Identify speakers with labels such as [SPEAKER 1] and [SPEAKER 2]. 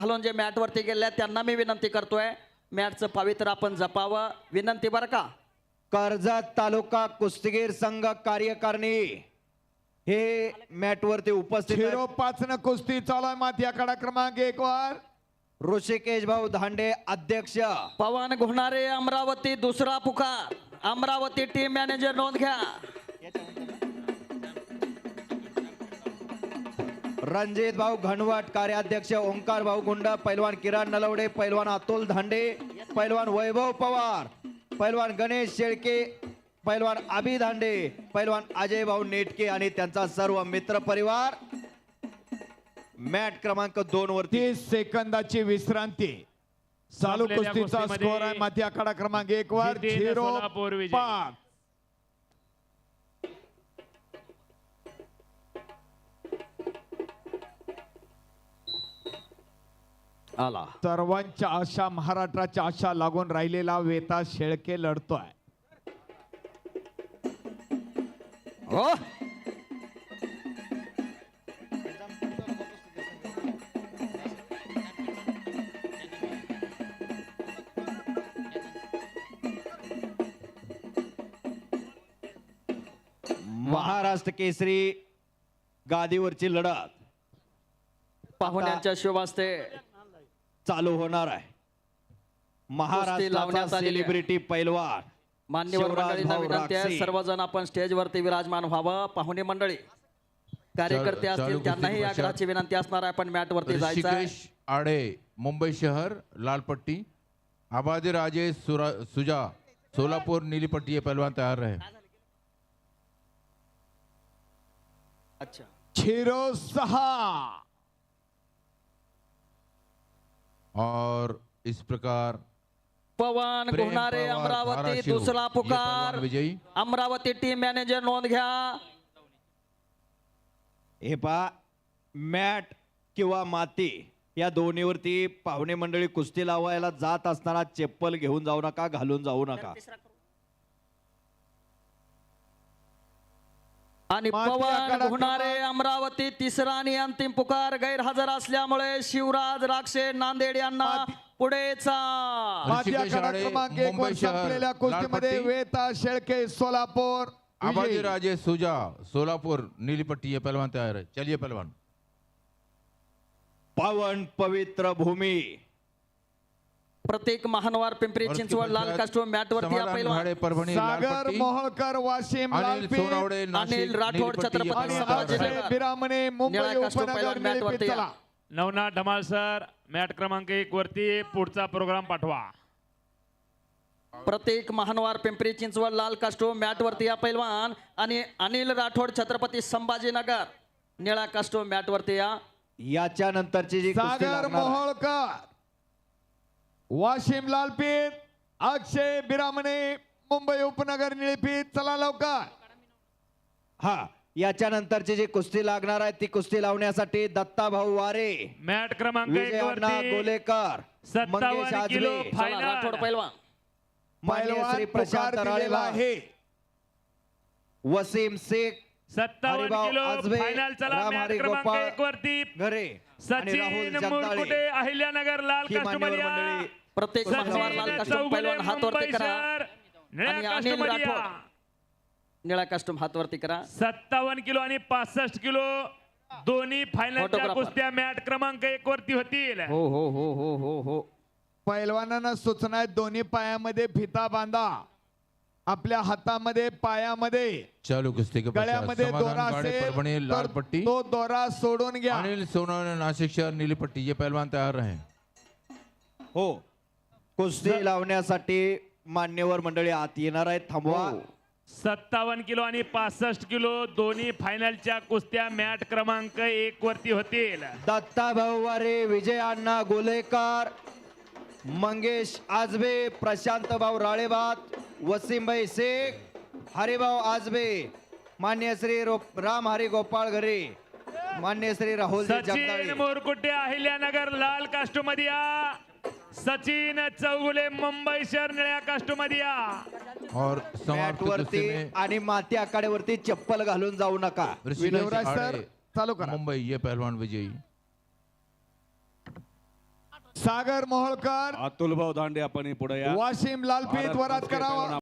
[SPEAKER 1] घालून जे मॅट वरती गेले त्यांना मी विनंती करतोय, मॅटचं पवित्र आपण जपावं, विनंती बरं का.
[SPEAKER 2] कर्जत तालुका कुस्तीगीर संघ कार्यकारिणी हे मॅट वरती उपस्थित आहेत.
[SPEAKER 3] 05 न कुस्ती चालू आहे. माती आखाडा क्रमांक 1 वर
[SPEAKER 2] ऋषिकेश भाऊ धांडे अध्यक्ष,
[SPEAKER 1] पवन घोणारे अमरावती दुसरा पुकार. अमरावती टीम मॅनेजर नोंद घ्या.
[SPEAKER 2] रणजित भाऊ घनवट कार्याध्यक्ष, ओंकार भाऊ गुंड, पैलवान किरण नलवडे, पैलवान अतुल धांडे, पैलवान वैभव पवार, पैलवान गणेश शेळके, पैलवान अभि धांडे, पैलवान अजय भाऊ नेटके आणि त्यांचा सर्व मित्र परिवार. मॅट क्रमांक 2 वरती
[SPEAKER 3] 30 सेकंदाची विश्रांती. चालू
[SPEAKER 4] संपलेल्या
[SPEAKER 3] कुस्तीचा
[SPEAKER 4] कुस्तीमध्ये
[SPEAKER 3] स्कोर आहे. माती आखाडा क्रमांक 1 वर
[SPEAKER 4] जितेंद्र सोलापूर विजय.
[SPEAKER 3] 05.
[SPEAKER 1] आला
[SPEAKER 3] सर्वांच्या आशा, महाराष्ट्राच्या आशा लागून राहिलेला वेता शेळके लढतोय.
[SPEAKER 1] हो
[SPEAKER 2] महाराष्ट्र केसरी गादीवरची लढत
[SPEAKER 1] पाहुण्यांच्या शुभ हस्ते
[SPEAKER 2] चालू होणार आहे. महाराष्ट्राचा
[SPEAKER 1] लावण्यात आलेली आहे.
[SPEAKER 2] सेलिब्रिटी पैलवान
[SPEAKER 1] मान्यवर
[SPEAKER 2] शिवराज
[SPEAKER 1] मंडळींना
[SPEAKER 2] भाऊ
[SPEAKER 1] विनंती आहे,
[SPEAKER 2] राक्षे.
[SPEAKER 1] सर्वजण आपण स्टेज वरती विराजमान व्हावं. पाहुणे मंडळी, कार्यकर्ते
[SPEAKER 5] चालू
[SPEAKER 1] असतील त्यांनाही
[SPEAKER 5] कुस्ती
[SPEAKER 1] आग्रहाची विनंती असणार आहे. आपण मॅट वरती जायचं आहे.
[SPEAKER 5] ऋषिकेश आडे मुंबई शहर लाल पट्टी, आबादी राजेश सुजा सोलापुर नीली पट्टी, ये पहलवान तैयार रहे.
[SPEAKER 1] अच्छा
[SPEAKER 3] 06.
[SPEAKER 5] और इस प्रकार
[SPEAKER 1] पवन
[SPEAKER 5] प्रेम
[SPEAKER 1] घोणारे
[SPEAKER 5] पवार,
[SPEAKER 1] अमरावती
[SPEAKER 5] धाराशिव,
[SPEAKER 1] दुसरा
[SPEAKER 5] ये
[SPEAKER 1] पुकार.
[SPEAKER 5] पहलवान विजयी.
[SPEAKER 1] अमरावती टीम मॅनेजर नोंद घ्या.
[SPEAKER 2] हे पहा, मॅट किंवा माती या दोन्हीवरती पाहुणे मंडळी कुस्ती लावायला जात असताना चप्पल घेऊन जाऊ नका, घालून जाऊ नका.
[SPEAKER 1] आणि
[SPEAKER 3] माती
[SPEAKER 1] पवन
[SPEAKER 3] आखाडा
[SPEAKER 1] घोणारे
[SPEAKER 3] क्रमांक-
[SPEAKER 1] अमरावती तिसरा आणि अंतिम पुकार. गैरहजर असल्यामुळे शिवराज राक्षे नांदेड यांना
[SPEAKER 3] माती-
[SPEAKER 1] पुढेचा.
[SPEAKER 3] माती
[SPEAKER 5] ऋषिकेश
[SPEAKER 3] आखाडा
[SPEAKER 5] आडे,
[SPEAKER 3] क्रमांक 1 वर
[SPEAKER 5] मुंबई शहर,
[SPEAKER 3] संपलेल्या कुस्तीमध्ये
[SPEAKER 5] लाल पट्टी.
[SPEAKER 3] वेता शेळके सोलापूर
[SPEAKER 5] आबादी
[SPEAKER 3] विजयी.
[SPEAKER 5] राजेश सुजा सोलापुर नीली पट्टी, ये पहलवान तैयार है. चलिए पहलवान.
[SPEAKER 2] पावन पवित्र भूमी
[SPEAKER 1] प्रत्येक महानवार पिंपरी
[SPEAKER 5] और
[SPEAKER 1] चिंचवड
[SPEAKER 5] उसके
[SPEAKER 1] लाल
[SPEAKER 5] पश्चात
[SPEAKER 1] कास्टूम मॅट वरती
[SPEAKER 5] समाधान
[SPEAKER 1] पहिलवान
[SPEAKER 5] घाड़े, परभणी लाल
[SPEAKER 3] सागर
[SPEAKER 5] पट्टी,
[SPEAKER 3] मोहोळकर वाशिम
[SPEAKER 5] अनिल
[SPEAKER 3] लालपीठ
[SPEAKER 5] सोनावडे नाशिक
[SPEAKER 1] अनिल राठोड,
[SPEAKER 5] नीली पट्टी, ये
[SPEAKER 1] छत्रपती
[SPEAKER 5] पहलवान
[SPEAKER 3] आणि
[SPEAKER 5] तैयार
[SPEAKER 1] संभाजी
[SPEAKER 5] है.
[SPEAKER 3] अक्षय बिरामणे मुंबई
[SPEAKER 1] निळा कास्टूम
[SPEAKER 3] उपनगर
[SPEAKER 1] पहिलवान मॅट
[SPEAKER 3] निळपीठ.
[SPEAKER 1] वरती
[SPEAKER 3] चला
[SPEAKER 4] नवनाथ धमाल सर, मॅट क्रमांक 1 वरती पुढचा प्रोग्राम पाठवा.
[SPEAKER 1] प्रत्येक महानवार पिंपरी चिंचवड लाल कास्टूम मॅट वरती या पैलवान. आणि अनिल राठोड छत्रपती संभाजीनगर निळा कास्टूम मॅट वरती या.
[SPEAKER 2] याच्या नंतरची जी कुस्ती
[SPEAKER 3] सागर
[SPEAKER 2] लागणार आहे,
[SPEAKER 3] मोहोळकर वाशिम लालपीठ, अक्षय बिरामणे मुंबई उपनगर निळपीठ. चला लवकर.
[SPEAKER 2] हा याच्या नंतरची जी कुस्ती लागणार आहे ती कुस्ती लावण्यासाठी दत्ता भाऊ वारे,
[SPEAKER 4] मॅट क्रमांक 1
[SPEAKER 2] विजय अण्णा
[SPEAKER 4] वरती
[SPEAKER 2] गोलेकर, मंगेश
[SPEAKER 4] 57 किलो
[SPEAKER 2] आजबे,
[SPEAKER 1] चला, राठोड
[SPEAKER 4] फायनल.
[SPEAKER 1] पैलवान.
[SPEAKER 2] मान्य
[SPEAKER 3] पैलवान
[SPEAKER 2] श्री प्रशांत
[SPEAKER 3] पुकार दिलेला
[SPEAKER 2] राळेवार,
[SPEAKER 3] आहे.
[SPEAKER 2] Wasim Shaikh,
[SPEAKER 4] 57
[SPEAKER 2] Haribhau
[SPEAKER 4] kilo
[SPEAKER 2] Ajbe,
[SPEAKER 4] final. चला
[SPEAKER 2] राम
[SPEAKER 4] मॅट
[SPEAKER 2] हरी
[SPEAKER 4] क्रमांक
[SPEAKER 2] गोपाळ
[SPEAKER 4] 1 वरती
[SPEAKER 2] घरे आणि राहुल
[SPEAKER 4] सचिन
[SPEAKER 2] जगदाळे
[SPEAKER 4] मुरकुटे अहिल्यानगर लाल
[SPEAKER 2] ही
[SPEAKER 4] कास्टूम
[SPEAKER 2] मान्यवर मंडळी
[SPEAKER 1] प्रत्येक महानवार लाल
[SPEAKER 4] सचिन
[SPEAKER 1] कास्टूम
[SPEAKER 4] चौगुले
[SPEAKER 1] पैलवान हात वरती
[SPEAKER 4] मुंबई
[SPEAKER 1] करा.
[SPEAKER 4] शहर
[SPEAKER 1] आणि
[SPEAKER 4] निळ्या
[SPEAKER 1] अनिल
[SPEAKER 4] कास्टूम
[SPEAKER 1] राठोड निळा कास्टूम हात वरती करा.
[SPEAKER 4] 57 किलो आणि 65 किलो दोन्ही फायनलच्या
[SPEAKER 1] फोटोग्राफर.
[SPEAKER 4] कुस्त्या मॅट क्रमांक 1 वरती होतील.
[SPEAKER 1] हो हो हो हो हो हो.
[SPEAKER 3] पैलवानांना सूचना आहे, दोन्ही पायामध्ये फिता बांधा, आपल्या हातामध्ये पायामध्ये
[SPEAKER 5] चालू कुस्ती के पश्चात
[SPEAKER 3] गळ्यामध्ये दोरा
[SPEAKER 5] समाधान घाड़े,
[SPEAKER 3] असेल
[SPEAKER 5] परभणी लाल
[SPEAKER 3] तर
[SPEAKER 5] पट्टी,
[SPEAKER 3] तो दोरा सोडून घ्या.
[SPEAKER 5] अनिल सोनावणे नाशिक शहर नीली पट्टी, ये पहलवान तैयार रहे.
[SPEAKER 2] हो कुस्ती लावण्यासाठी मान्यवर मंडळी आत येणार आहेत, थांबवा.
[SPEAKER 4] 57 किलो आणि 65 किलो दोन्ही फायनलच्या कुस्त्या मॅट क्रमांक 1 वरती होतील.
[SPEAKER 2] दत्ता भाऊ वारे, विजय अण्णा गोलेकर, मंगेश आजबे, प्रशांत भाऊ राळेबात, वसीमभाई शेख, हरिभाऊ आजबे, मान्य श्री राम हरी गोपाळ घरे, मान्य श्री राहुल
[SPEAKER 4] सचिन
[SPEAKER 2] जगदाळे.
[SPEAKER 4] मोरकुटे अहिल्यानगर लाल कास्टूम मध्ये या. सचिन चौगुले मुंबई शहर निळ्या कास्टूम मध्ये या.
[SPEAKER 5] और
[SPEAKER 2] मॅट
[SPEAKER 5] समाप्त
[SPEAKER 2] वरती
[SPEAKER 5] कुस्ती में
[SPEAKER 2] आणि माती आखाड्यावरती चप्पल घालून जाऊ नका.
[SPEAKER 5] ऋषिकेश
[SPEAKER 3] विनोदराज सर
[SPEAKER 5] आडे,
[SPEAKER 3] चालू करा.
[SPEAKER 5] मुंबई, ये पहलवान विजयी.
[SPEAKER 3] सागर मोहोळकर
[SPEAKER 6] अतुल भाऊ दांडे आपण पुढे या
[SPEAKER 3] वाशिम लालपीत
[SPEAKER 6] भारत
[SPEAKER 3] वरात
[SPEAKER 6] कुस्ती
[SPEAKER 3] करावा
[SPEAKER 6] पैलवान